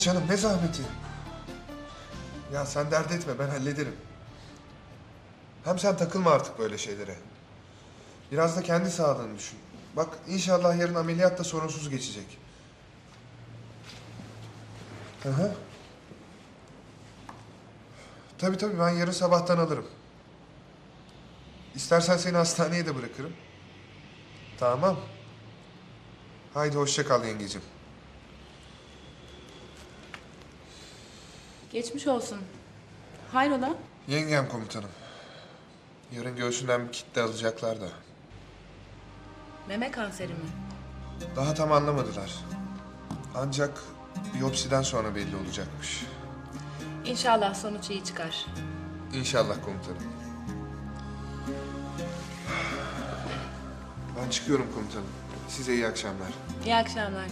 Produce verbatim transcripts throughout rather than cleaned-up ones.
Canım ne zahmeti. Ya sen dert etme, ben hallederim. Hem sen takılma artık böyle şeylere. Biraz da kendi sağlığını düşün. Bak inşallah yarın ameliyat da sorunsuz geçecek. Hı hı. Tabii tabii ben yarın sabahtan alırım. İstersen seni hastaneye de bırakırım. Tamam. Haydi hoşça kal yengecim. Geçmiş olsun. Hayrola? Yengem komutanım. Yarın göğsünden bir kitle alacaklar da. Meme kanseri mi? Daha tam anlamadılar. Ancak biyopsiden sonra belli olacakmış. İnşallah sonuç iyi çıkar. İnşallah komutanım. Ben çıkıyorum komutanım. Size iyi akşamlar. İyi akşamlar.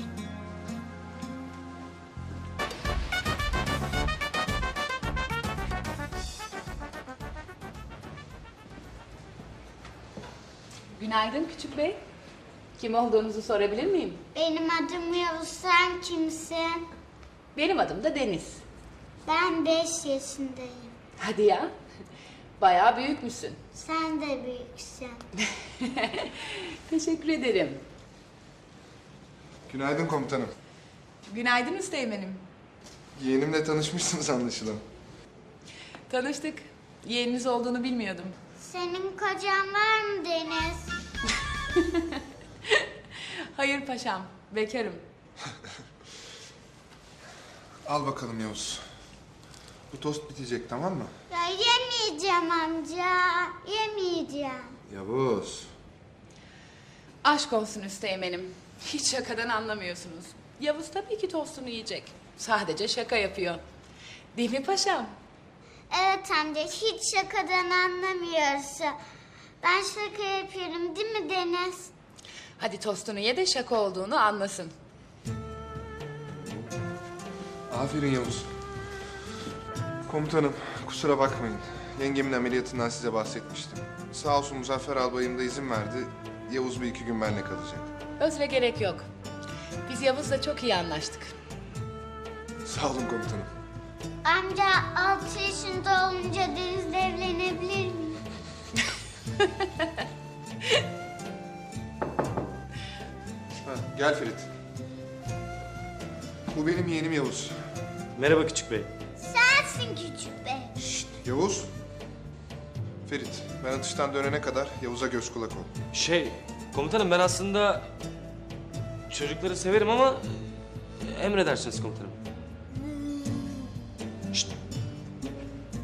Günaydın küçük bey. Kim olduğunuzu sorabilir miyim? Benim adım Yavuz, sen kimsin? Benim adım da Deniz. Ben beş yaşındayım. Hadi ya. Bayağı büyükmüşsün. Sen de büyüksün. Teşekkür ederim. Günaydın komutanım. Günaydın Üsteğmen'im. Yeğenimle tanışmışsınız anlaşılan. Tanıştık. Yeğeniniz olduğunu bilmiyordum. Senin kocan var mı Deniz? Hayır paşam. Bekarım. Al bakalım Yavuz. Bu tost bitecek tamam mı? Ya yemeyeceğim amca, yemeyeceğim. Yavuz. Aşk olsun Üsteğmen'im. Hiç şakadan anlamıyorsunuz. Yavuz tabii ki tostunu yiyecek. Sadece şaka yapıyor. Değil mi paşam? Evet amca, hiç şakadan anlamıyorsun. Ben şaka yapıyorum değil mi Deniz? Hadi tostunu ye de şaka olduğunu anlasın. Aferin Yavuz. Komutanım kusura bakmayın. Yengemin ameliyatından size bahsetmiştim. Sağ olsun Muzaffer albayım da izin verdi. Yavuz bir iki gün benimle kalacak. Özre gerek yok. Biz Yavuz'la çok iyi anlaştık. Sağ olun komutanım. Amca altı yaşında olunca Deniz'le evlenebilir miyim? Ha, gel Ferit. Bu benim yeğenim Yavuz. Merhaba küçük bey. Sensin küçük bey. Şşt Yavuz. Ferit ben atıştan dönene kadar Yavuz'a göz kulak ol. Şey, komutanım ben aslında çocukları severim ama emredersiniz komutanım.